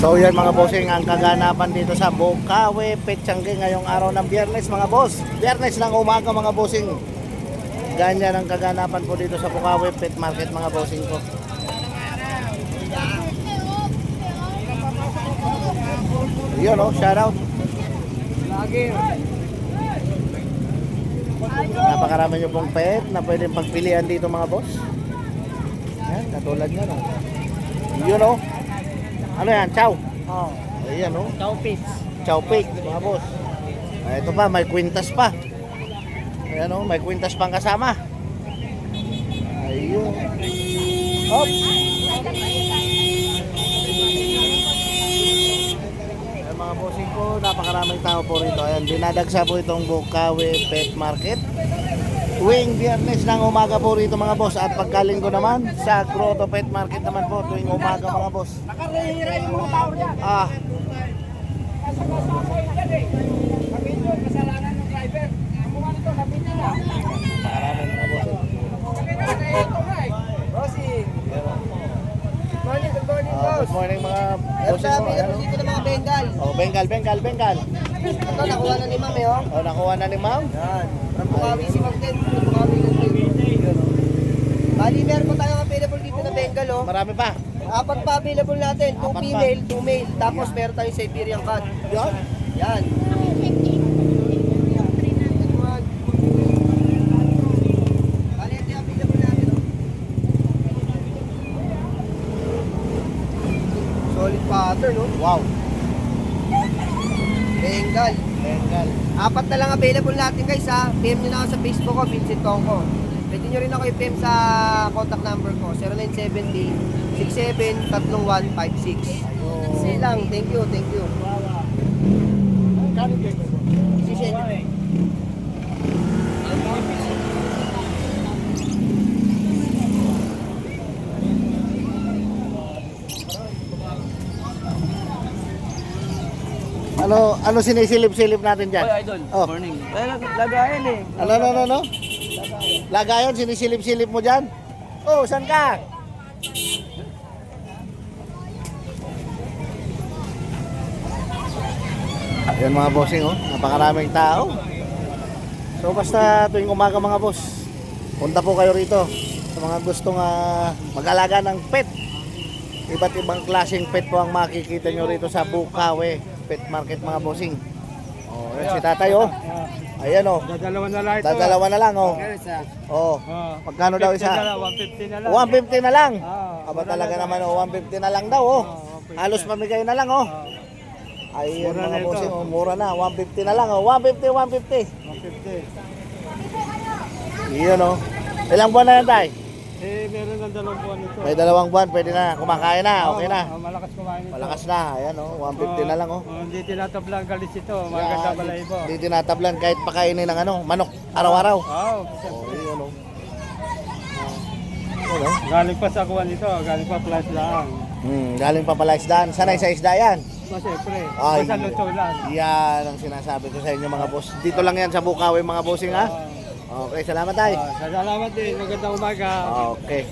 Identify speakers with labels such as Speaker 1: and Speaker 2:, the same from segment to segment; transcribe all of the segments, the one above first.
Speaker 1: So yan mga bossing, ang kaganapan dito sa Bukawi Petsangge ngayong araw ng Biyernes mga boss. Biyernes ng umaga mga bossing. Ganyan ang kaganapan po dito sa Bukawi Pet Market mga bossing ko. Yun o, shout out. Napakarami nyo pong pet na pwedeng pagpilian dito mga boss. Yan, katulad nyo no. Yun o. Ano yan? Chow?
Speaker 2: Oh,
Speaker 1: Ayan o.
Speaker 2: chow pits.
Speaker 1: Chow pig mga boss. Ito pa, may kwintas pa. Ayan o, may kwintas pang kasama. Ayun. Hop. Ayan mga bossing ko, napakaraming tao po rito. Ayan, dinadagsa po itong Bukawi Pet Market. Tuwing Biyernes ng umaga po rito mga boss. At pagkalinggo naman sa Grotto Pet Market naman po tuwing umaga mga boss.
Speaker 2: Nakarehira yung mga tao niya.
Speaker 1: Ah,
Speaker 2: Kasalanan ng driver. Ang mga nito, kapit niya na.
Speaker 1: napakaraming mga boss.
Speaker 2: Bossing. Good morning, good morning, boss.
Speaker 1: Good morning mga
Speaker 2: Meron
Speaker 1: bossing
Speaker 2: kami
Speaker 1: ko. Ayan,
Speaker 2: dito ng mga Bengal.
Speaker 1: oh, Bengal.
Speaker 2: Ito, nakuha na ni ma'am eh, oh.
Speaker 1: Oh, nakuha na ni ma'am.
Speaker 2: Yan. From Bukawi si Ma'am Ken. From Bukawi ng Bali, meron po tayong available dito na Bengal, oh.
Speaker 1: Marami pa.
Speaker 2: Apat pa available natin. 2
Speaker 1: Apat pa.
Speaker 2: female, 2 male. Tapos meron tayong Siberian cat.
Speaker 1: Yan.
Speaker 2: Yan. Bali, ito yung available natin, oh. Solid pattern, no?
Speaker 1: Wow.
Speaker 2: Bengal.
Speaker 1: Bengal.
Speaker 2: Apat na lang available natin guys ha. PM nyo na ako sa Facebook ko, Vincent Tongko. Pwede nyo rin ako i-PM sa contact number ko, 0970-673156. Sige lang, thank you, thank you. Si Shen.
Speaker 1: Ano sinisilip-silip natin dyan?
Speaker 3: Oy, idol.
Speaker 1: Oh.
Speaker 3: Morning. Lagayan eh.
Speaker 1: Ano? Lagayon, sinisilip-silip mo dyan? Oh, saan ka? Ayan mga bossing, oh. Napakaraming tao. So basta tuwing umaga mga boss, punta po kayo rito sa mga gustong mag-alaga ng pet. Iba't ibang klaseng pet po ang makikita nyo rito sa Bukawi Pet Market mga bossing. Oh, yan si tatay oh. Ayan oh.
Speaker 3: Dadalawa na lang ito.
Speaker 1: Dadalawa na lang oh.
Speaker 3: Isa.
Speaker 1: Oh. Magkano daw isa?
Speaker 3: 150 na lang.
Speaker 1: 150 na lang.
Speaker 3: Ah,
Speaker 1: Aba talaga naman oh, 150 na lang daw oh.
Speaker 3: 150.
Speaker 1: Halos mamigay na lang oh. Ayun
Speaker 3: Mura
Speaker 1: mga
Speaker 3: na ito.
Speaker 1: bossing oh, mura na. 150 na lang oh. 150.
Speaker 3: 150.
Speaker 1: Iyon oh. Ilang buwan na yan tay?
Speaker 3: Eh, meron ng 2 buwan ito.
Speaker 1: May 2 buwan, pwede na. Kumakain na, okay na.
Speaker 3: Malakas kumain ito.
Speaker 1: Malakas na. Ayan oh, 150 na lang oh.
Speaker 3: Hindi tinatablang galis ito. Maganda pala ito.
Speaker 1: Hindi tinatablan kahit pakainin ng manok araw-araw.
Speaker 3: Oh,
Speaker 1: Oh, iyon oh. Ano?
Speaker 3: galing pa sa kuwan ito. Galing pa plus lang.
Speaker 1: Galing pa pala isdaan. Sanay sa isda yan.
Speaker 3: Siyempre.
Speaker 1: Ay.
Speaker 3: Basta luto lang.
Speaker 1: Yan ang sinasabi ko sa inyo mga boss. Dito lang yan sa Bukawi mga bossing ha. Okay, salamat tayo.
Speaker 3: Salamat din. Magandang umaga.
Speaker 1: Okay.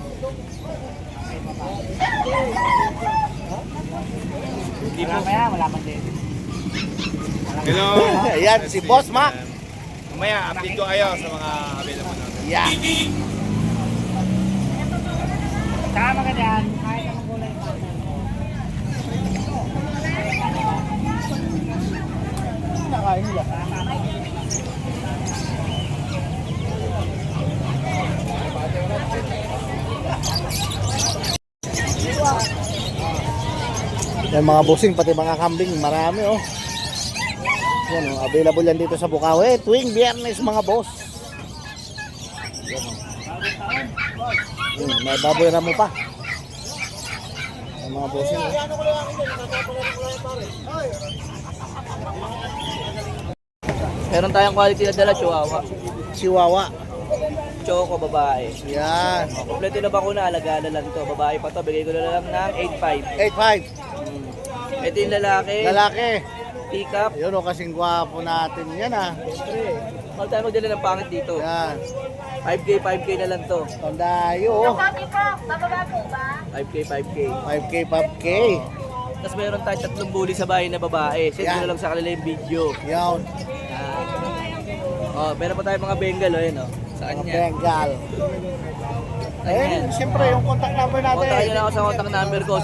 Speaker 3: Hindi po. Wala man din.
Speaker 4: Hello.
Speaker 1: Ayan, si Boss Mac.
Speaker 4: Mamaya, update ko kayo sa mga available natin.
Speaker 1: Yeah.
Speaker 2: Tama ka dyan. Kahit naman gulay.
Speaker 1: Nakain nila. Yan mga bossing, pati mga kambing, marami oh. Yan oh, available yan dito sa Bukawi tuwing Biyernes mga boss. Yan oh. May baboy na mo pa. Yan mga bossing oh.
Speaker 3: Meron tayong quality na dala, Chihuahua.
Speaker 1: Chihuahua.
Speaker 3: Choco, babae.
Speaker 1: Yan.
Speaker 3: Kompleto na bakuna, alaga na lang to. Babae pa to, bigay ko na lang ng 8.5.
Speaker 1: 8.5.
Speaker 3: Ito yung lalaki,
Speaker 1: Lalaki.
Speaker 3: pick up.
Speaker 1: Yun o, kasing gwapo natin yan ah.
Speaker 3: Siyempre, huwag tayo magdala ng pangit dito.
Speaker 1: Yan.
Speaker 3: 5K na lang to.
Speaker 1: Tandayo oh.
Speaker 3: 5K.
Speaker 1: 5K, 5K.
Speaker 3: Tapos meron tayong 3 bully sa bahay na babae. Send
Speaker 1: Yan.
Speaker 3: nyo na lang sa kanila yung video.
Speaker 1: Yan.
Speaker 3: Oh, meron pa tayong mga Bengal, oh, yun, oh. Sa
Speaker 1: Mga
Speaker 3: kanya.
Speaker 1: Bengal.
Speaker 3: Ayan.
Speaker 1: Ayun, siyempre yung contact number natin.
Speaker 3: Kontakin nyo lang ako sa contact number ko,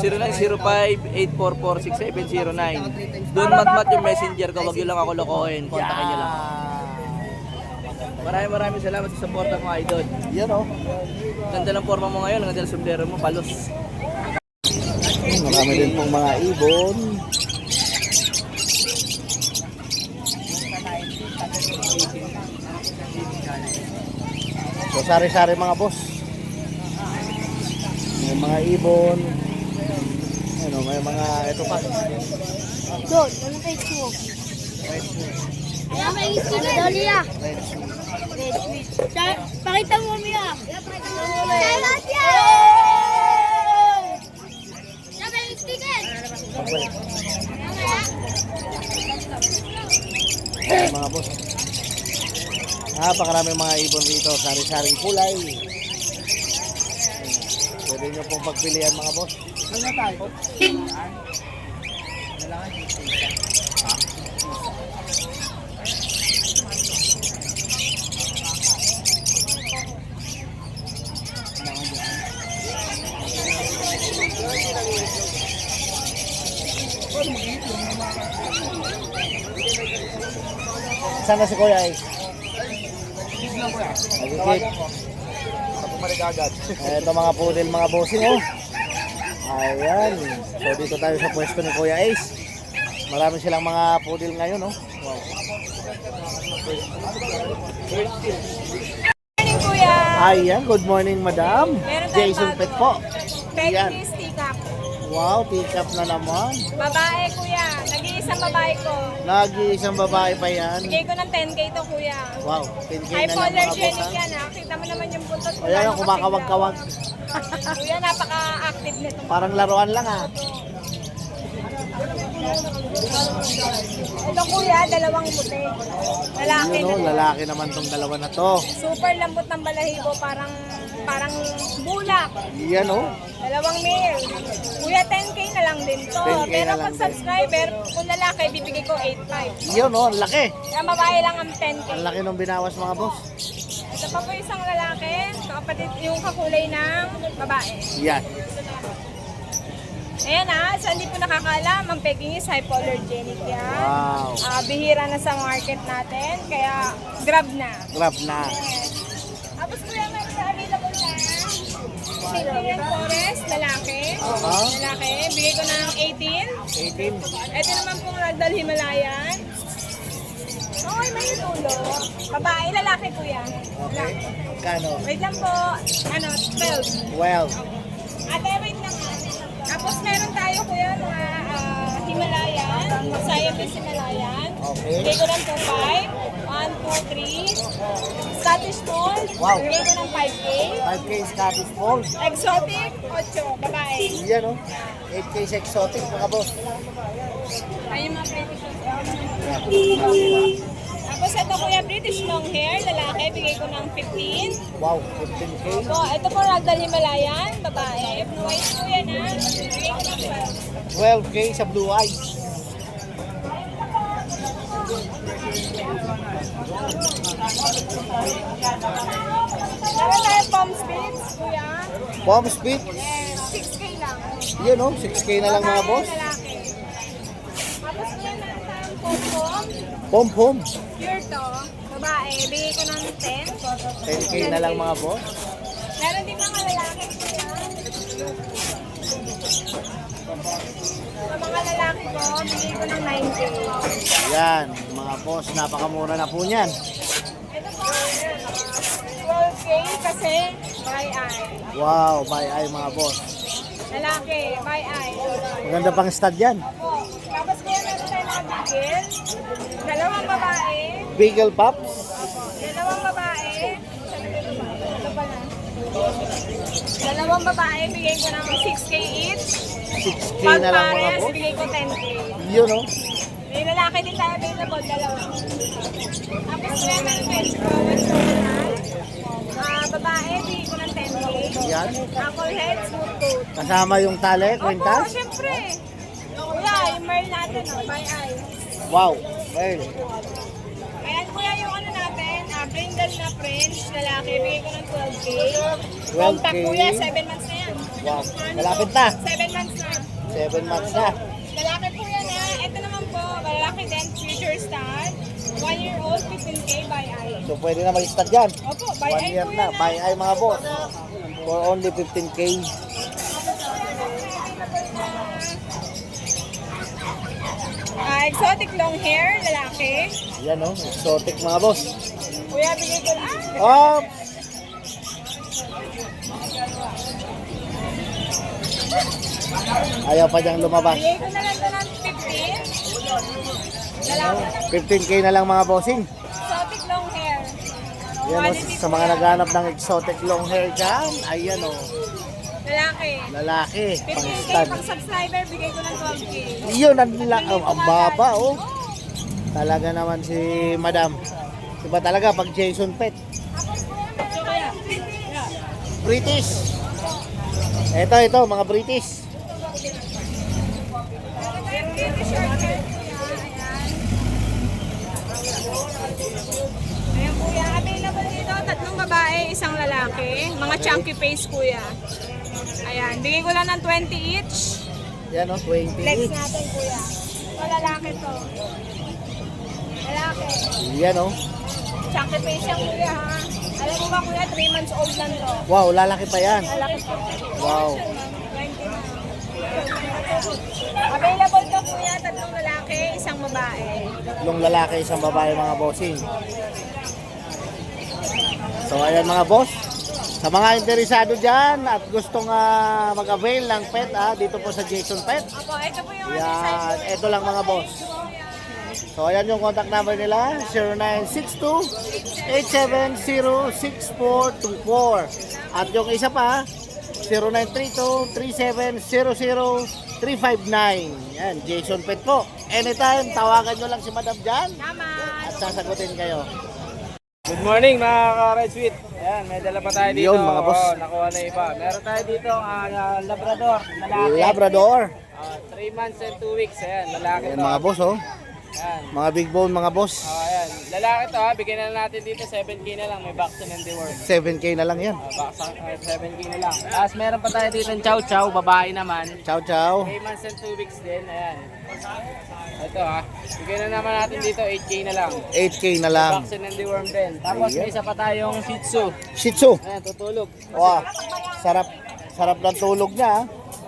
Speaker 3: 0905-844-6709. Doon mat yung messenger ko, wag nyo lang ako lokohin. Kontakin nyo lang. Maraming salamat sa support mo, idol.
Speaker 1: Yan o.
Speaker 3: Ganda ng forma mo ngayon, ganda ng sombrero mo, palos.
Speaker 1: Marami din pong mga ibon. So sari-sari mga boss. May mga ibon. Ano, may mga ito pa.
Speaker 5: Doon, ano kay Chuo? Ayan, may isip na doon niya.
Speaker 1: Red sweet.
Speaker 5: Red sweet. Pakita mo, Mia. Pakita mo, Mia. Salamat yan! Siya may istikin.
Speaker 1: Ayan, mga boss. Napakarami mga ibon rito. Sari-saring kulay. Pwede nyo pong pagpilian mga boss. Ano na tayo? Saan na si Kuya Ace? Nagkikip. Ito mga poodle mga bossing oh. Ayan. So dito tayo sa pwesto ni Kuya Ace. Marami silang mga poodle ngayon oh. Wow.
Speaker 6: Morning, Kuya.
Speaker 1: Ayan, good morning madam.
Speaker 6: Meron tayong
Speaker 1: Jason
Speaker 6: bago.
Speaker 1: Pet po. Ayan.
Speaker 6: Peggy stick-up.
Speaker 1: Wow, pick up na naman.
Speaker 6: Babae, Kuya. Nag-iisang babae ko.
Speaker 1: Lagi isang babae pa yan.
Speaker 6: Bigay ko ng 10K to, Kuya.
Speaker 1: Wow, 10K na lang mga boss
Speaker 6: Hypoallergenic
Speaker 1: ha.
Speaker 6: yan, ha? Kita mo naman yung buntot ko.
Speaker 1: Ayan
Speaker 6: lalo
Speaker 1: ang kumakawag-kawag.
Speaker 6: kasigla. Kuya, napaka-active nito.
Speaker 1: Parang laruan lang ha.
Speaker 6: Ito, Kuya, dalawang puti. Lalaki
Speaker 1: Yun oh,
Speaker 6: na.
Speaker 1: lalaki naman tong dalawa na to.
Speaker 6: Super lambot ng balahibo. Parang bulak.
Speaker 1: Yan oh.
Speaker 6: Dalawang male. Kuya, 10K na lang din to.
Speaker 1: 10K
Speaker 6: Pero
Speaker 1: na lang
Speaker 6: pag subscriber, kung lalaki, bibigay ko 8.5.
Speaker 1: Yun oh, ang laki.
Speaker 6: Kaya babae lang ang 10K.
Speaker 1: Ang laki nung binawas mga boss.
Speaker 6: Ito pa po isang lalaki, kapatid yung kakulay ng babae.
Speaker 1: Yan.
Speaker 6: Ayan sa hindi po nakakaalam, ang Peking is hypoallergenic yan.
Speaker 1: Wow.
Speaker 6: Bihira na sa market natin, kaya grab na.
Speaker 1: Grab na.
Speaker 6: Yes. Tapos kuya, meron sa available na Siberian Forest, lalaki.
Speaker 1: Aha.
Speaker 6: Lalaki, bigay ko ng 18.
Speaker 1: 18.
Speaker 6: Ito naman pong Ragdoll Himalayan. Okay, may tulo. Babae, lalaki kuya.
Speaker 1: Okay. Kano?
Speaker 6: Wait lang po. 12.
Speaker 1: Well,
Speaker 6: Ate, wait lang. Tapos meron tayo kuya mga Himalayan. Siamese Himalayan.
Speaker 1: Okay.
Speaker 6: Bigay ko ng 2.5. 1, 2, 3. Scottish Fold.
Speaker 1: Wow.
Speaker 6: Bigay ko ng 5K.
Speaker 1: 5K Scottish Fold.
Speaker 6: Exotic, 8. Babae.
Speaker 1: Yan oh. 8K sa exotic mga boss.
Speaker 6: Ayun mga British. Tapos ito kuya, British long hair, lalaki, bigay ko ng 15.
Speaker 1: Wow, 15K.
Speaker 6: Ito po Ragdoll Himalayan, babae. Blue eyes po yan ha. Bigay ko ng
Speaker 1: 12K sa blue eyes.
Speaker 6: Meron tayo palm spits, kuya.
Speaker 1: Palm speed.
Speaker 6: Yes, 6K lang.
Speaker 1: Yan oh, 6K na lang mga
Speaker 6: Babae,
Speaker 1: boss.
Speaker 6: lalaki. Tapos kuya, meron tayong pom-pom.
Speaker 1: Pom-pom.
Speaker 6: Pure to. Babae, bigay ko ng 10.
Speaker 1: 10K na lang mga boss.
Speaker 6: Meron din mga lalaki kuya. Sa mga lalaki ko, bigay ko ng 9K.
Speaker 1: Yan, mga boss, napakamura na po niyan.
Speaker 6: Ito po, 12K kasi by eye.
Speaker 1: Wow, by eye mga boss.
Speaker 6: Lalaki, by eye.
Speaker 1: Maganda pang stud yan.
Speaker 6: Po. Tapos kuya meron tayo mga bigil. Dalawang babae.
Speaker 1: Beagle Pups.
Speaker 6: Dalawang babae. Ito pa na. Dalawang babae, bigay ko ng 6K each.
Speaker 1: 6K
Speaker 6: Pag
Speaker 1: na lang mga
Speaker 6: pares,
Speaker 1: boss.
Speaker 6: bigay ko 10K.
Speaker 1: Yun oh.
Speaker 6: May lalaki din tayo available, dalawa. Tapos meron tayo Chihuahua Chocolate. Babae, bigay ko ng 10K.
Speaker 1: Yan.
Speaker 6: Apple head, smooth coat.
Speaker 1: Kasama yung tali,
Speaker 6: Opo,
Speaker 1: kwintas.
Speaker 6: syempre. pearl natin, oh, by eye.
Speaker 1: Wow. Well,
Speaker 6: Ayan kuya yung ano natin, brindle na French, lalaki, bigay ko ng 12K.
Speaker 1: 12K.
Speaker 6: Compact kuya, 7 months na yan.
Speaker 1: wow. Malapit na.
Speaker 6: 7 months na.
Speaker 1: 7 months na.
Speaker 6: Lalaki po yan ha. Ito naman po, lalaki din, future star. 1-year-old, 15K by eye.
Speaker 1: So pwede na mag-start yan.
Speaker 6: Opo, by
Speaker 1: 1
Speaker 6: eye
Speaker 1: year
Speaker 6: po
Speaker 1: na.
Speaker 6: yan
Speaker 1: By eye mga boss. For only 15K.
Speaker 6: Exotic long hair, lalaki.
Speaker 1: Yan oh. Exotic mga boss.
Speaker 6: Kuya, bigay ko lang.
Speaker 1: Oh! Ayaw pa diyang lumabas.
Speaker 6: Bigay ko na lang ito ng 15. Lalaki.
Speaker 1: 15K na lang mga bossing.
Speaker 6: Exotic long hair.
Speaker 1: Yan oh,
Speaker 6: Quality
Speaker 1: sa
Speaker 6: po
Speaker 1: mga
Speaker 6: yan.
Speaker 1: naghanap ng exotic long hair dyan. Ayan oh.
Speaker 6: Lalaki.
Speaker 1: Lalaki. Pang
Speaker 6: 15K
Speaker 1: stud.
Speaker 6: pag subscriber, bigay ko ng 12K.
Speaker 1: Yun, ang baba oh. Talaga naman si Madam. Diba talaga pag Jason Pet.
Speaker 6: So kaya,
Speaker 1: British. Ito, mga British.
Speaker 6: short hair kuya. Ayan. Ayan kuya, available dito, 3 babae, 1 lalaki. Mga chunky face kuya. Ayan, bigay ko lang ng 20 each.
Speaker 1: Yan oh, 20.
Speaker 6: Flex natin kuya. Ito lalaki to. Lalaki.
Speaker 1: Yan oh.
Speaker 6: Chunky face yan kuya ha. Alam mo ba kuya, 3 months old lang to.
Speaker 1: Wow, lalaki pa yan.
Speaker 6: Lalaki to.
Speaker 1: Wow.
Speaker 6: 20 na. Available to kuya, 3 lalaki, 1 babae.
Speaker 1: Tatlong lalaki, isang babae mga bossing. So ayan mga boss. Sa mga interesado dyan at gustong mag-avail ng pet dito po sa Jason Pet.
Speaker 6: Opo, ito po yung
Speaker 1: Yan, ito lang mga boss. So ayan yung contact number nila, 0962-870-6424. At yung isa pa, 0932-3700-359. Yan, Jason Pet po. Anytime, tawagan nyo lang si Madam dyan
Speaker 6: Salamat.
Speaker 1: at sasagutin kayo.
Speaker 3: Good morning mga ka-Red Sweet. Ayan, may dala pa tayo dito.
Speaker 1: Yun, mga boss.
Speaker 3: Oo, nakuha na iba. Meron tayo dito Labrador, lalaki.
Speaker 1: Labrador.
Speaker 3: 3 months and 2 weeks. Ayan, lalaki
Speaker 1: Ayan
Speaker 3: to.
Speaker 1: mga boss oh.
Speaker 3: Ayan.
Speaker 1: Mga big bone mga boss.
Speaker 3: Ayan, lalaki to ha. Bigyan na natin dito 7K na lang. May vaccine and deworm.
Speaker 1: 7K na lang yan.
Speaker 3: Vaccine 7K na lang. Tapos meron pa tayo dito ng Chow Chow, babae naman.
Speaker 1: Ciao, ciao.
Speaker 3: 3 months and 2 weeks din. Ayan. Ito ha. Bigyan na naman natin dito 8K na lang.
Speaker 1: 8K na lang.
Speaker 3: Vaccine and deworm din. Tapos may isa pa tayong Shih Tzu.
Speaker 1: Shih Tzu.
Speaker 3: Ayan, tutulog.
Speaker 1: Wow. Sarap. Sarap ng tulog niya.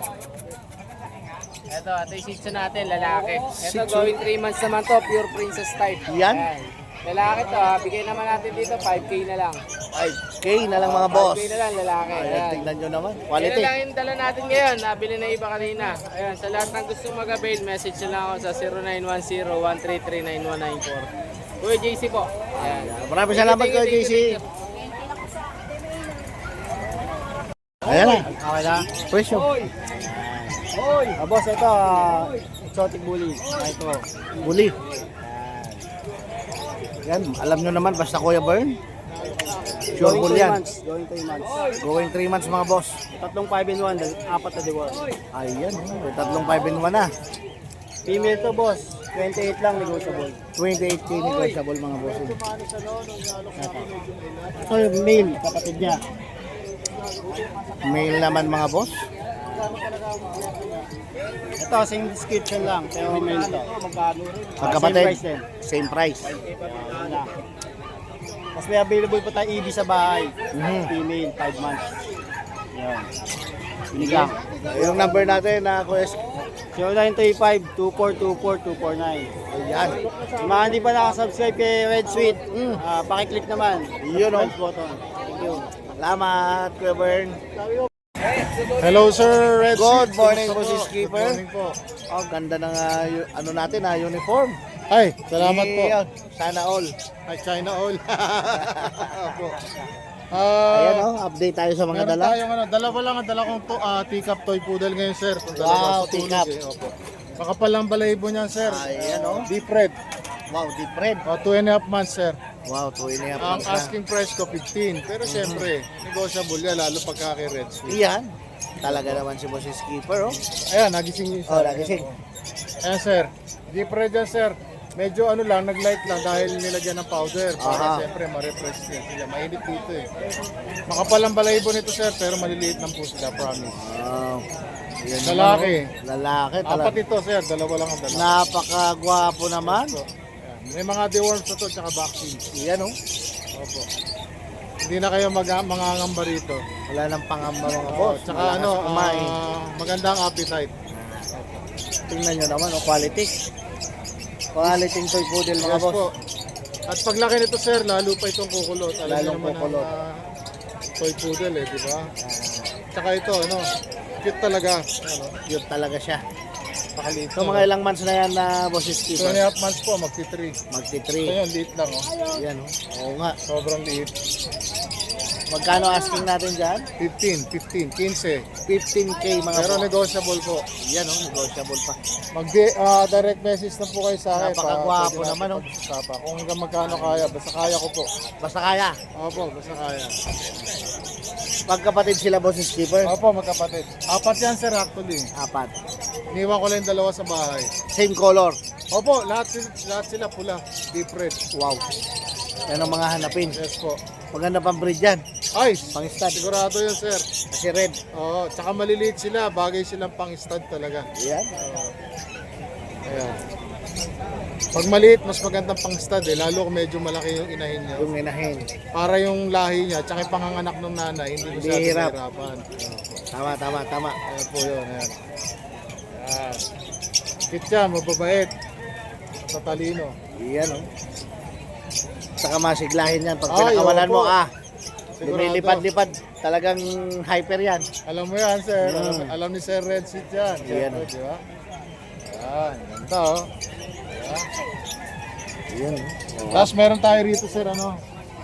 Speaker 3: Ito yung Shih Tzu natin, lalaki.
Speaker 1: Shih
Speaker 3: Ito
Speaker 1: Tzu.
Speaker 3: going 3 months naman to, pure princess type.
Speaker 1: Yan.
Speaker 3: Ayan. Lalaki to ha, bigay naman natin dito 5K na lang.
Speaker 1: 5K na lang mga boss.
Speaker 3: 5K na lang lalaki.
Speaker 1: Ayan,
Speaker 3: Ayan.
Speaker 1: tingnan nyo naman.
Speaker 3: Yan
Speaker 1: Quality.
Speaker 3: lang yung dala natin ngayon, nabili na iba kanina. Ayan, sa lahat ng gusto mag-avail, message na lang ako sa 0910-133-9194. Kuya JC po. Ayan.
Speaker 1: Maraming salamat
Speaker 3: Thank you,
Speaker 1: Kuya
Speaker 3: thank you,
Speaker 1: JC.
Speaker 3: thank you.
Speaker 1: Ayan na. Okay na. Presyo.
Speaker 3: Hoy!
Speaker 1: Boss, ito. Exotic bully. Ito. Bully. Yan. Alam nyo naman, basta Kuya Bern. Sure bull yan.
Speaker 2: Going 3 months.
Speaker 1: Going 3 months mga boss.
Speaker 2: Tatlong 5 in 1, 4 na divorce.
Speaker 1: Ayan. May tatlong 5 in 1 na.
Speaker 2: Female to boss, 28 lang negotiable.
Speaker 1: 28K negotiable mga boss.
Speaker 2: Ito yung male, kapatid niya.
Speaker 1: Male naman mga boss.
Speaker 2: Ito, same description lang, pero male to.
Speaker 1: Magkapatid.
Speaker 2: Same price din.
Speaker 1: Same price.
Speaker 2: Tapos may available pa tayo EB sa bahay.
Speaker 1: Mhm.
Speaker 2: Female, 5 months. Yan. Binigang.
Speaker 1: Yung number natin na Kuya.
Speaker 2: 0935-2424-249.
Speaker 1: Ayan.
Speaker 2: Yung mga hindi pa nakasubscribe kay Red Sweet, pakiclick naman.
Speaker 1: Yun, oh.
Speaker 2: Red button. Thank you.
Speaker 1: Salamat Kuya Bern.
Speaker 7: Hello sir, Red
Speaker 1: Good
Speaker 7: Sweet.
Speaker 1: morning po
Speaker 7: Kumusta
Speaker 1: si Skipper.
Speaker 7: Good morning po.
Speaker 1: Oh, ganda ng ano natin uniform.
Speaker 7: Ay, salamat po.
Speaker 1: Yun, sana all.
Speaker 7: Ay, China all. Opo.
Speaker 1: Ayan oh, update tayo sa mga
Speaker 7: Meron
Speaker 1: dala.
Speaker 7: tayong dalawa lang ang dala kong teacup toy poodle ngayon sir. Kung
Speaker 1: Wow,
Speaker 7: dalawa sa tulog,
Speaker 1: teacup.
Speaker 7: Opo. Makapal lang balahibo niyan sir.
Speaker 1: Ayan oh.
Speaker 7: Deep red.
Speaker 1: Wow, deep red.
Speaker 7: 2.5 months sir.
Speaker 1: Wow, 2.5
Speaker 7: Ang
Speaker 1: months na.
Speaker 7: asking price ko 15. Pero syempre, negotiable yan lalo pagka kay Red Sweet.
Speaker 1: Iyan. Talaga naman si Boss Skipper oh.
Speaker 7: Ayan, nagising yung isa.
Speaker 1: Oh, nagising.
Speaker 7: Ayan sir, deep red yan sir. Medyo ano lang, nag-light lang dahil nilagyan ng powder.
Speaker 1: Aha.
Speaker 7: Para siyempre ma-refresh yan sila. Mainit dito eh. Makapal ang balahibo nito sir, pero maliliit lang po sila, promise.
Speaker 1: Wow. Yan
Speaker 7: Lalaki.
Speaker 1: naman, oh. Lalaki
Speaker 7: Apat
Speaker 1: talaga.
Speaker 7: ito sir, dalawa lang ang dala.
Speaker 1: Napakagwapo naman.
Speaker 7: So, ayan. May mga deworms na to, tsaka vaccines.
Speaker 1: Yan oh.
Speaker 7: Opo. Hindi na kayo mangangamba rito.
Speaker 1: Wala nang pangamba mga
Speaker 7: Oh,
Speaker 1: boss.
Speaker 7: tsaka
Speaker 1: Malakas
Speaker 7: ano,
Speaker 1: kumain.
Speaker 7: magandang appetite.
Speaker 1: Tingnan nyo naman, oh, quality. Quality ng toy poodle mga
Speaker 7: Yes
Speaker 1: boss.
Speaker 7: po. At paglaki nito sir, lalo pa itong kukulot. Alam niyo
Speaker 1: Lalong
Speaker 7: naman
Speaker 1: kukulot.
Speaker 7: ang toy poodle eh, di ba? Tsaka ito, ano, cute talaga. Ano,
Speaker 1: Cute talaga siya.
Speaker 7: pakaliit.
Speaker 1: So mga ilang months na yan na bosses
Speaker 7: 2
Speaker 1: keeper?
Speaker 7: and a half months po, magti-3.
Speaker 1: Magti-3.
Speaker 7: Ito yun, liit lang oh.
Speaker 1: Yan oh. Oo nga.
Speaker 7: Sobrang liit.
Speaker 1: Magkano asking natin dyan?
Speaker 7: 15, 15, 15.
Speaker 1: 15k mga
Speaker 7: Pero
Speaker 1: boss.
Speaker 7: negotiable po.
Speaker 1: Yan oh, negotiable pa.
Speaker 7: Direct message na po kayo sa akin.
Speaker 1: Napakagwapo
Speaker 7: Pwede natin
Speaker 1: naman, oh.
Speaker 7: pag-usapan. Kung hanggang magkano kaya, basta kaya ko po.
Speaker 1: Basta kaya.
Speaker 7: Opo, basta kaya.
Speaker 1: Pagkapatid sila bosses keeper.
Speaker 7: Opo, magkapatid. Apat yan sir actually.
Speaker 1: 4.
Speaker 7: Iniwan ko lang yung dalawa sa bahay.
Speaker 1: Same color.
Speaker 7: Opo, lahat sila pula. Deep red.
Speaker 1: Wow. Yan ang mga hanapin.
Speaker 7: Yes po.
Speaker 1: Maganda pang breed yan.
Speaker 7: Ay,
Speaker 1: Pang-stud.
Speaker 7: sigurado yan sir.
Speaker 1: Kasi red.
Speaker 7: Oo, tsaka maliliit sila. Bagay silang pang-stud talaga.
Speaker 1: Yan.
Speaker 7: Ayan. Pag maliit, mas magandang pang-stud eh. Lalo kung medyo malaki yung inahin niya.
Speaker 1: Yung inahin.
Speaker 7: Para yung lahi niya, tsaka yung panganganak ng nanay, hindi
Speaker 1: Hindi
Speaker 7: masyadong
Speaker 1: hirap.
Speaker 7: mahirapan.
Speaker 1: Tama.
Speaker 7: Ayan po yun, ayan. Ayan. Cute siya, mababait. Matalino.
Speaker 1: Yan oh. Saka masiglahin yan. Pag
Speaker 7: Ay,
Speaker 1: pinakawalan mo,
Speaker 7: opo.
Speaker 1: lumilipad-lipad. Talagang hyper yan.
Speaker 7: Alam mo yan, sir.
Speaker 1: Mm.
Speaker 7: Alam ni Sir Red Seat yan.
Speaker 1: Yan,
Speaker 7: Siyempre,
Speaker 1: oh.
Speaker 7: di ba? Ayan, ganda oh.
Speaker 1: Yan oh.
Speaker 7: Tapos meron tayo rito, sir, ano?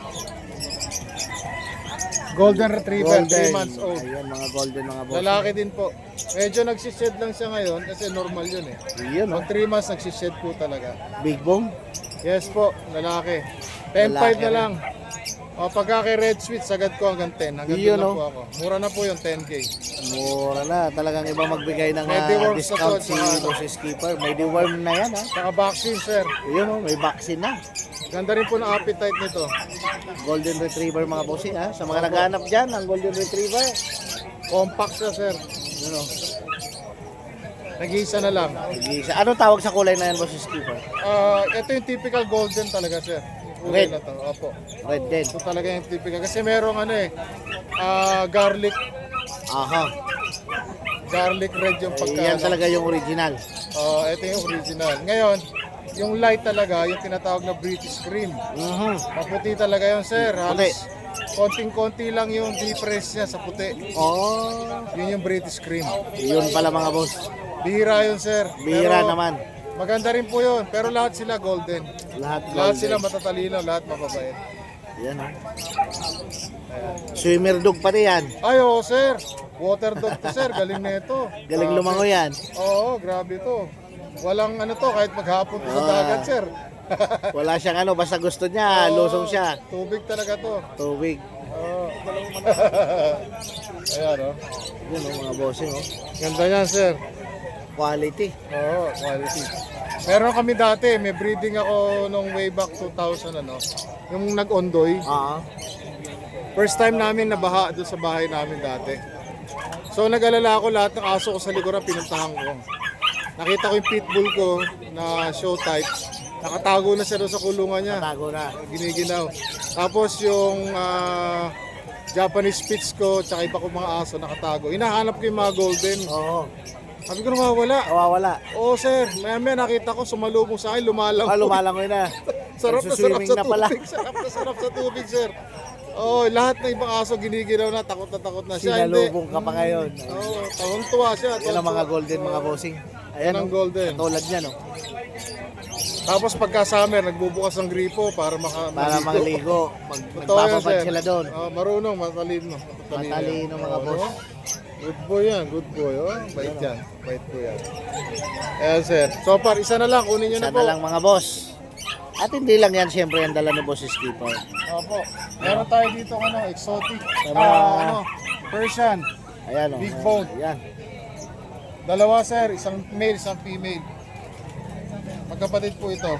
Speaker 7: Golden Retriever, 3 months old.
Speaker 1: Ayan, mga golden mga boss.
Speaker 7: Lalaki din po. Medyo nagsished lang siya ngayon kasi normal yun eh.
Speaker 1: Yan oh.
Speaker 7: Pag 3 months, nagsished po talaga.
Speaker 1: Big bone.
Speaker 7: Yes po, lalaki. 10.5
Speaker 1: Lalaki
Speaker 7: na lang. O pagka kay Red Sweet, sagad ko hanggang 10. Hanggang
Speaker 1: Yun,
Speaker 7: doon lang
Speaker 1: oh.
Speaker 7: po ako. Mura na po yung 10K.
Speaker 1: Mura na. Talagang iba magbigay ng
Speaker 7: May deworms
Speaker 1: discount
Speaker 7: na to,
Speaker 1: si
Speaker 7: tsaka-
Speaker 1: bosses keeper. May deworm na yan ha.
Speaker 7: Saka vaccine, sir.
Speaker 1: Yun oh, may vaccine na.
Speaker 7: Ganda rin po ng appetite nito.
Speaker 1: Golden Retriever mga bossing ha. Sa mga naghahanap dyan ng Golden Retriever.
Speaker 7: Compact siya, sir.
Speaker 1: Yun oh.
Speaker 7: Nag-iisa na lang.
Speaker 1: Nag-iisa. Anong tawag sa kulay na yan bosses keeper?
Speaker 7: Ito yung typical golden talaga, sir. Yung kulay
Speaker 1: Red.
Speaker 7: na to. Opo.
Speaker 1: Red din.
Speaker 7: Ito talaga yung typical. Kasi merong ano eh, garlic
Speaker 1: Aha.
Speaker 7: red yung pagka.
Speaker 1: Yan talaga yung original.
Speaker 7: Ito yung original. Ngayon, yung light talaga, yung tinatawag na British cream. Maputi talaga yun, sir. Halos konting-konti lang yung difference niya sa puti.
Speaker 1: Oh.
Speaker 7: Yun yung British cream.
Speaker 1: Yun pala mga boss.
Speaker 7: Bihira yun, sir.
Speaker 1: Bihira
Speaker 7: Pero
Speaker 1: naman.
Speaker 7: maganda rin po yun. Pero lahat sila golden.
Speaker 1: Lahat
Speaker 7: Lahat
Speaker 1: golden.
Speaker 7: sila matatalino, lahat mababait.
Speaker 1: Yan oh. Swimmer dog pati yan.
Speaker 7: Ay, oo, sir. Water dog to, sir. Galing na ito.
Speaker 1: Galing lumango yan.
Speaker 7: Oo, grabe to. Walang ano to, kahit maghapon to sa
Speaker 1: Ah.
Speaker 7: dagat, sir.
Speaker 1: Wala siyang ano, basta gusto niya,
Speaker 7: Oo,
Speaker 1: lusong siya.
Speaker 7: Tubig talaga to.
Speaker 1: Tubig.
Speaker 7: Oo. Ayan, oh.
Speaker 1: Yun oh, mga bossing oh.
Speaker 7: Ganda yan, sir.
Speaker 1: Quality.
Speaker 7: Oo, quality. Meron kami dati, may breeding ako nung way back 2000, ano. Yung nag-ondoy.
Speaker 1: Ah.
Speaker 7: First time namin nabaha doon sa bahay namin dati. So nag-alala ako lahat ng aso ko sa likuran, pinuntahan ko. Nakita ko yung pitbull ko na show type. Nakatago na siya doon sa kulungan niya.
Speaker 1: Tago na.
Speaker 7: Giniginaw. Tapos yung Japanese Spitz ko, tsaka iba ko mga aso nakatago. Hinahanap ko yung mga golden.
Speaker 1: Oo.
Speaker 7: Sabi ko nawawala.
Speaker 1: Nawawala.
Speaker 7: Oo, sir. Maya nakita ko sumalubong sa akin, lumalang.
Speaker 1: Lumalangoy na.
Speaker 7: Sarap na sarap
Speaker 1: Nagsuswimming
Speaker 7: sa
Speaker 1: na pala.
Speaker 7: tubig. Sarap sa tubig, sir. Oh, lahat ng ibang aso giniginaw na, takot na siya.
Speaker 1: Sinalubong ka pa ngayon.
Speaker 7: Oo, tawang-tuwa siya.
Speaker 1: Yan ang mga golden mga bossing. Ayan
Speaker 7: Yan ang
Speaker 1: oh.
Speaker 7: golden.
Speaker 1: Tulad niya no.
Speaker 7: Tapos pagka summer, nagbubukas ng gripo para
Speaker 1: Para mangligo.
Speaker 7: Totoo yan,
Speaker 1: Magbababad
Speaker 7: sir.
Speaker 1: sila doon.
Speaker 7: Marunong, matalino.
Speaker 1: Matalino mga boss.
Speaker 7: Good boy yan, good boy. Oh. Bait yan, bait po yan. Ayan, sir. So far, isa na lang, kunin nyo
Speaker 1: Isa
Speaker 7: na po.
Speaker 1: na lang mga boss. At hindi lang yan siyempre ang dala ni Boss Skipper.
Speaker 7: Opo. Meron tayo dito ano, exotic.
Speaker 1: Tama.
Speaker 7: Persian.
Speaker 1: Ayan oh.
Speaker 7: Big bone.
Speaker 1: Ayan.
Speaker 7: Dalawa, sir. Isang male, isang female. Magkapatid po ito.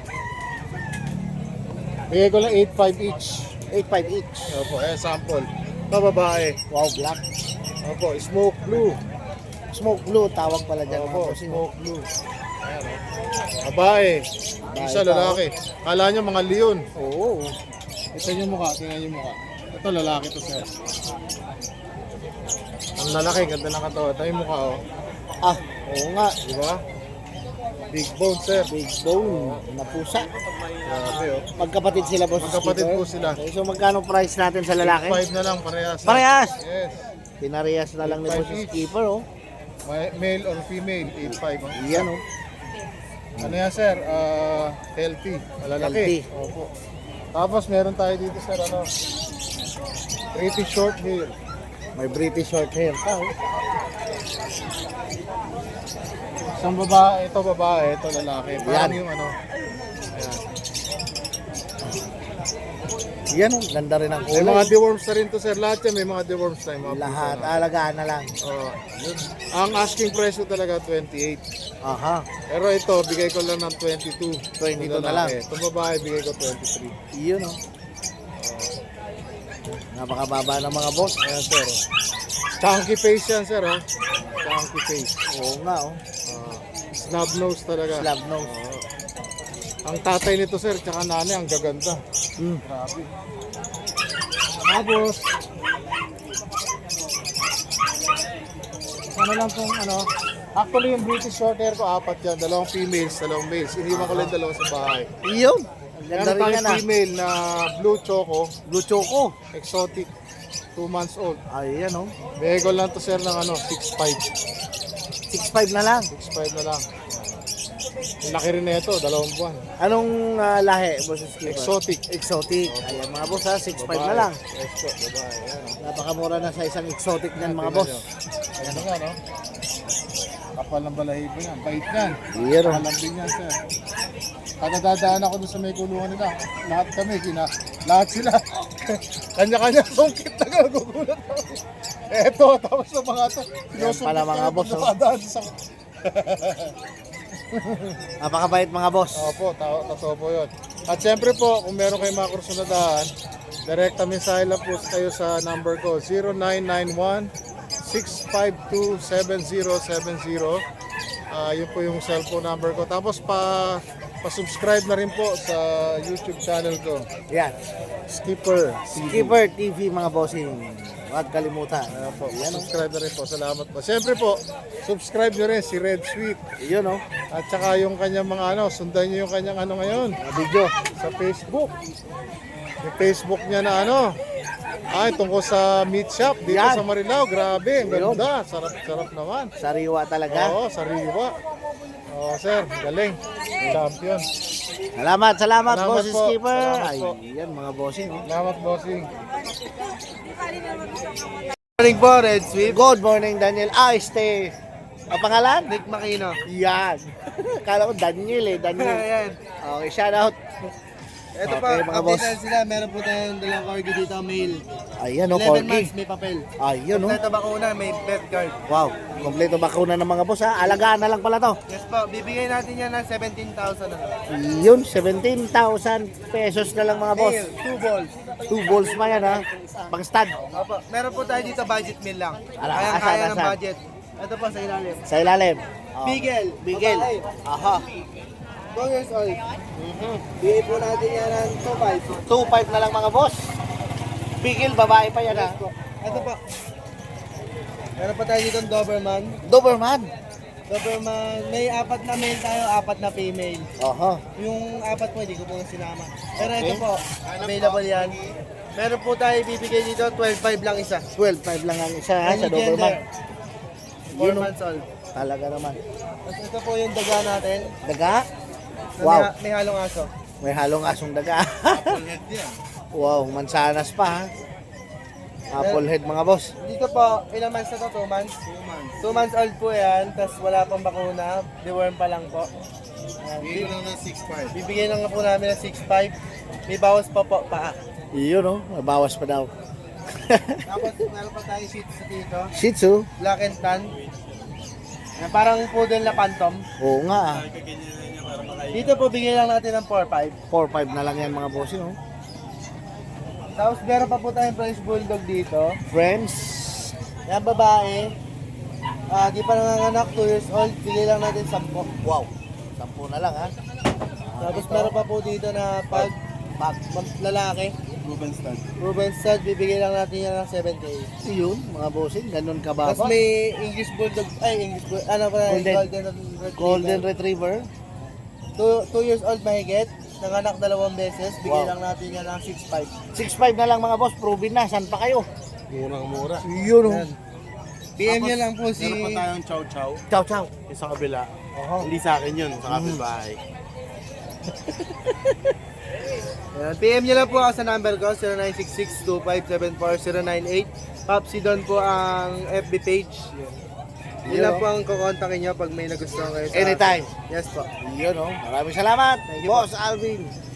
Speaker 7: Bigay ko lang 8.5 each.
Speaker 1: 8.5 each.
Speaker 7: Opo, sample. Ito babae.
Speaker 1: Wow, black.
Speaker 7: Opo, smoke blue.
Speaker 1: Smoke blue, tawag pala dyan.
Speaker 7: Opo,
Speaker 1: mga bossing.
Speaker 7: smoke blue. Ayan, babae. Isa
Speaker 1: pa,
Speaker 7: lalaki. Kala nyo mga leon.
Speaker 1: Oo.
Speaker 7: Ito yung mukha, tingnan yung mukha. Ito lalaki to sir. Ang lalaki, ganda ng katawan. Ito yung mukha oh.
Speaker 1: Ah, oo nga.
Speaker 7: Di ba? Big bone sir.
Speaker 1: Big bone na pusa.
Speaker 7: Grabe oh.
Speaker 1: Magkapatid sila, boss.
Speaker 7: Magkapatid
Speaker 1: Skipper.
Speaker 7: po sila.
Speaker 1: Okay, so magkano price natin sa lalaki?
Speaker 7: 5 na lang, parehas.
Speaker 1: Parehas!
Speaker 7: Yes.
Speaker 1: Pinarehas na lang ni
Speaker 7: 8.5
Speaker 1: boss
Speaker 7: each.
Speaker 1: Skipper, oh.
Speaker 7: Male or female, 8.5 oh.
Speaker 1: Yan, oh.
Speaker 7: Ano yan sir? Healthy. Malalaki.
Speaker 1: Healthy.
Speaker 7: Opo. Tapos meron tayo dito sir, ano? Pretty short hair.
Speaker 1: May British short hair pa, oh.
Speaker 7: Isang babae, ito lalaki. Parang
Speaker 1: Yan.
Speaker 7: yung ano. Ayan.
Speaker 1: Yan, oh. Ganda rin ang
Speaker 7: May
Speaker 1: kulay.
Speaker 7: mga deworms na rin to sir. Lahat yan may mga deworms na. Yung mga
Speaker 1: Lahat,
Speaker 7: pusa na.
Speaker 1: alagaan na lang.
Speaker 7: Oo. Ang asking price ko talaga 28.
Speaker 1: Aha.
Speaker 7: Pero ito, bigay ko lang ng 22.
Speaker 1: 22
Speaker 7: Yung
Speaker 1: na lang.
Speaker 7: lalaki. Itong babae, bigay ko 23.
Speaker 1: Yun, oh. Napakababa ng mga boss.
Speaker 7: Ayan sir. Oh. Chunky face yan sir. Oh. Chunky face.
Speaker 1: Oo nga, oh.
Speaker 7: Snub nose talaga.
Speaker 1: Slab nose.
Speaker 7: Oo. Ang tatay nito sir, tsaka nanay, ang gaganda.
Speaker 1: Mm.
Speaker 7: Grabe. Tapos, ano lang kung ano, actually yung British short hair ko, 4 yan. 2 females, 2 males. Iniwan ko lang 2 sa bahay.
Speaker 1: Yun. Ang ganda
Speaker 7: Meron
Speaker 1: rin
Speaker 7: tayong
Speaker 1: yan, ah.
Speaker 7: female na blue choco,
Speaker 1: Blue choco.
Speaker 7: exotic, 2 months old.
Speaker 1: Ay, yan, oh.
Speaker 7: Bigay ko lang to sir ng ano, 6'5".
Speaker 1: 6.5 na lang.
Speaker 7: 6'5 na lang. Ang laki rin na ito, 2 buwan.
Speaker 1: Anong lahi, boss Skipper?
Speaker 7: Exotic.
Speaker 1: Exotic. Ayan, mga boss, ha. 6.5 na lang.
Speaker 7: Exo, babae. Ayan, oh.
Speaker 1: Napakamura na sa isang exotic niyan, mga
Speaker 7: Tingnan
Speaker 1: boss.
Speaker 7: nyo. Ayan nga, no? Kapal ng balahibo yan. Bait yan.
Speaker 1: Yan, oh.
Speaker 7: Malambing yan, sir. Kadadadaan ako doon sa may kulungan nila. Lahat kami, lahat sila. Kanya-kanya sungkit na nagugulat ako. Eto, tapos sa mga to.
Speaker 1: Yan pala, mga boss, oh.
Speaker 7: Nakadaan sa...
Speaker 1: Napakabait, mga boss.
Speaker 7: Opo, totoo po yun. At syempre po, kung meron kayong mga kurso na daan, direkta mensahe lang po kayo sa number ko, 0991-652-7070. Yun po yung cellphone number ko. Tapos pa-subscribe na rin po sa YouTube channel ko,
Speaker 1: Yan.
Speaker 7: Skipper TV.
Speaker 1: Skipper TV, mga bossing. Huwag kalimutan.
Speaker 7: Ayan po, subscribe na rin po. Salamat po. Siyempre po, subscribe nyo rin si Red Sweet.
Speaker 1: Yun, oh.
Speaker 7: At saka yung kanyang mga ano, sundan nyo yung kanyang ano ngayon.
Speaker 1: Video.
Speaker 7: Sa Facebook. Yung Facebook niya na ano, tungkol sa meat shop dito
Speaker 1: Yan.
Speaker 7: sa Marilao. Grabe, ang
Speaker 1: Yun.
Speaker 7: ganda. Sarap-sarap naman.
Speaker 1: Sariwa talaga.
Speaker 7: Oo, sariwa. Oo, sir, galing. Champion.
Speaker 1: Salamat,
Speaker 7: Salamat
Speaker 1: boss
Speaker 7: po.
Speaker 1: Skipper.
Speaker 7: Salamat
Speaker 1: Ay,
Speaker 7: po.
Speaker 1: yan, mga bossing, oh.
Speaker 7: Salamat, bossing.
Speaker 2: Morning po, Red Sweep.
Speaker 1: Good morning, Daniel. Stay. Ang pangalan?
Speaker 2: Nick Makino.
Speaker 1: Yan. Kala ko Daniel, eh. Daniel.
Speaker 2: Ayan.
Speaker 1: Okay, shout out.
Speaker 2: Ito
Speaker 1: Okay,
Speaker 2: pa,
Speaker 1: mga boss.
Speaker 2: update sila. Meron po tayong dalang corgi dito, male.
Speaker 1: Ayan, oh,
Speaker 2: 11
Speaker 1: corgi.
Speaker 2: months, may papel.
Speaker 1: Ayun, oh.
Speaker 2: Ito bakuna, may pet card.
Speaker 1: Wow. Kompleto bakuna ng mga boss, ha. Alagaan na lang pala to.
Speaker 2: Yes po, bibigay natin yan ng 17,000 na lang.
Speaker 1: Yun, 17,000 pesos na lang, mga boss.
Speaker 2: Male, 2 balls.
Speaker 1: 2 balls pa yan, ha. Pang stud.
Speaker 2: Opo, meron po tayo dito budget meal lang.
Speaker 1: Ala,
Speaker 2: Kaya ng
Speaker 1: asan?
Speaker 2: budget. Ito po sa ilalim.
Speaker 1: Sa ilalim. Oh.
Speaker 2: Bigel.
Speaker 1: Bigel.
Speaker 2: Babae.
Speaker 1: Aha.
Speaker 2: 2 years old. Bigay po natin yan ng 2,500.
Speaker 1: 2.5 na lang, mga boss. Bigel, babae pa yan, ha.
Speaker 2: Ito po. Meron pa tayo dito Doberman.
Speaker 1: Doberman.
Speaker 2: Doberman, may 4 na male tayo, 4 na female.
Speaker 1: Aha.
Speaker 2: Yung 4 po, hindi ko po sinama. Pero ito po, available yan. Meron po tayo bibigay dito, 12,500 lang isa.
Speaker 1: 12.5 lang ang isa, ha, sa
Speaker 2: Any
Speaker 1: Doberman.
Speaker 2: gender. 4
Speaker 1: Yun, oh.
Speaker 2: months old.
Speaker 1: Talaga naman.
Speaker 2: Tapos ito po yung daga natin.
Speaker 1: Daga?
Speaker 2: Na
Speaker 1: Wow.
Speaker 2: May halong aso.
Speaker 1: May halong asong daga. Wow, mansanas pa, ha. Apple head, mga boss.
Speaker 2: Dito po, ilang months na to? 2 months? 2 months old po yan, tapos wala pang bakuna. Deworm pa lang po. Bibigyan lang ng 6,500. Bibigyan lang po namin ng 6,500. May bawas pa po, paa.
Speaker 1: Yun, oh. Mabawas pa daw.
Speaker 2: Tapos meron pa tayo Shih Tzu dito.
Speaker 1: Shih Tzu.
Speaker 2: Black and tan. Yan, parang poodle na phantom.
Speaker 1: Oo nga.
Speaker 2: Dito po bigay lang natin ng 4-5.
Speaker 1: 4-5 na lang yan mga bossing oh.
Speaker 2: Tapos meron pa po tayong French Bulldog dito.
Speaker 1: Friends.
Speaker 2: Yan babae. Di pa nanganganak, 2 years old. Bigay lang natin 10.
Speaker 1: Wow. 10 na lang ha.
Speaker 2: Tapos meron pa po dito na pag lalaki. Ruben Stud, bibigay lang natin yan ng 7K.
Speaker 1: Yun, mga bossing, ganun kababa.
Speaker 2: Tapos may English Bulldog, ano pa,
Speaker 1: Golden Retriever.
Speaker 2: 2 years old mahigit. Nanganak 2 beses. Bigay
Speaker 1: Wow.
Speaker 2: lang natin yan ng 6.5.
Speaker 1: 6-5 na lang mga boss, proven na. Saan pa kayo?
Speaker 8: Murang-mura.
Speaker 1: Yun oh.
Speaker 2: Yan. PM niya lang po si...
Speaker 8: Meron pa tayong chow-chow.
Speaker 1: Ciao, ciao.
Speaker 8: Yung sa kabila. Hindi sa akin yun, sa kapitbahay.
Speaker 2: Yan. PM niya lang po ako sa number ko, 0966-2574-098. Popsi Don po ang FB page. Yun lang po ang kukontakin niyo pag may nagustuhan kayo sa...
Speaker 1: Anytime.
Speaker 2: Yes po.
Speaker 1: Yun oh. Maraming salamat.
Speaker 2: Thank you,
Speaker 1: Boss Alvin.